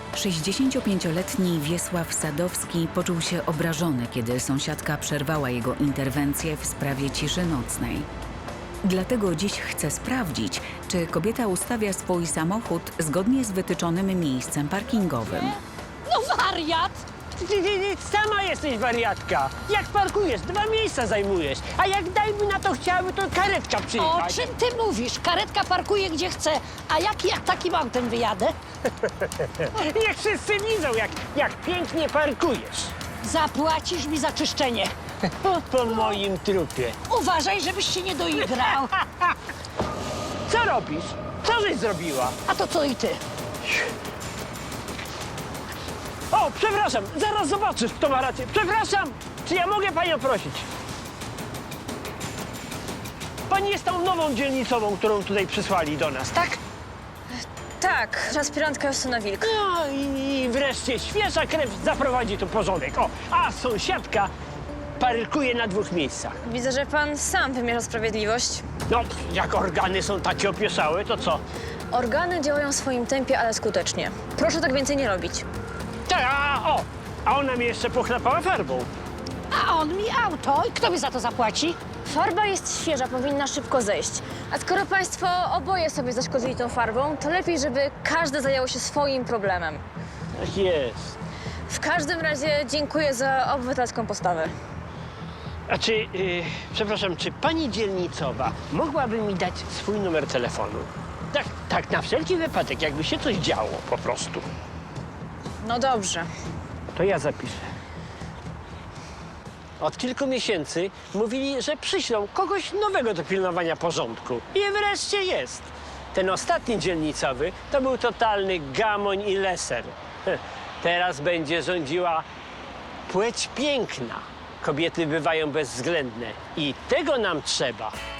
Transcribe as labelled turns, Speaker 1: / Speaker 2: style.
Speaker 1: 65-letni Wiesław Sadowski poczuł się obrażony, kiedy sąsiadka przerwała jego interwencję w sprawie ciszy nocnej. Dlatego dziś chce sprawdzić, czy kobieta ustawia swój samochód zgodnie z wytyczonym miejscem parkingowym.
Speaker 2: No wariat!
Speaker 3: Ty sama jesteś wariatka. Jak parkujesz, 2 miejsca zajmujesz. A jak dajmy na to chciałaby, to karetka
Speaker 2: O
Speaker 3: przyjechać.
Speaker 2: czym ty mówisz? Karetka parkuje gdzie chce. A jak ja takim autem wyjadę?
Speaker 3: Niech wszyscy widzą, jak pięknie parkujesz.
Speaker 2: Zapłacisz mi za czyszczenie.
Speaker 3: Po moim trupie.
Speaker 2: Uważaj, żebyś się nie doigrał.
Speaker 3: Co robisz? Co żeś zrobiła?
Speaker 2: A to co i ty?
Speaker 3: O, przepraszam, zaraz zobaczysz, kto ma rację. Przepraszam, czy ja mogę panią prosić? Pani jest tą nową dzielnicową, którą tutaj przysłali do nas, tak?
Speaker 4: Tak, aspirantka Justyna Wilk.
Speaker 3: No i wreszcie świeża krew zaprowadzi tu porządek. O, a sąsiadka parkuje na 2 miejscach.
Speaker 4: Widzę, że pan sam wymierza sprawiedliwość.
Speaker 3: No, jak organy są takie opieszałe, to co?
Speaker 4: Organy działają w swoim tempie, ale skutecznie. Proszę tak więcej nie robić.
Speaker 3: A ona mnie jeszcze pochlapała farbą.
Speaker 2: A on mi auto. I kto mi za to zapłaci?
Speaker 4: Farba jest świeża, powinna szybko zejść. A skoro państwo oboje sobie zaszkodzili tą farbą, to lepiej, żeby każdy zajął się swoim problemem.
Speaker 3: Tak jest.
Speaker 4: W każdym razie dziękuję za obywatelską postawę.
Speaker 3: A czy, przepraszam, czy pani dzielnicowa mogłaby mi dać swój numer telefonu? Tak, na wszelki wypadek, jakby się coś działo po prostu.
Speaker 4: No dobrze.
Speaker 3: To ja zapiszę. Od kilku miesięcy mówili, że przyślą kogoś nowego do pilnowania porządku. I wreszcie jest. Ten ostatni dzielnicowy to był totalny gamoń i leser. Teraz będzie rządziła płeć piękna. Kobiety bywają bezwzględne i tego nam trzeba.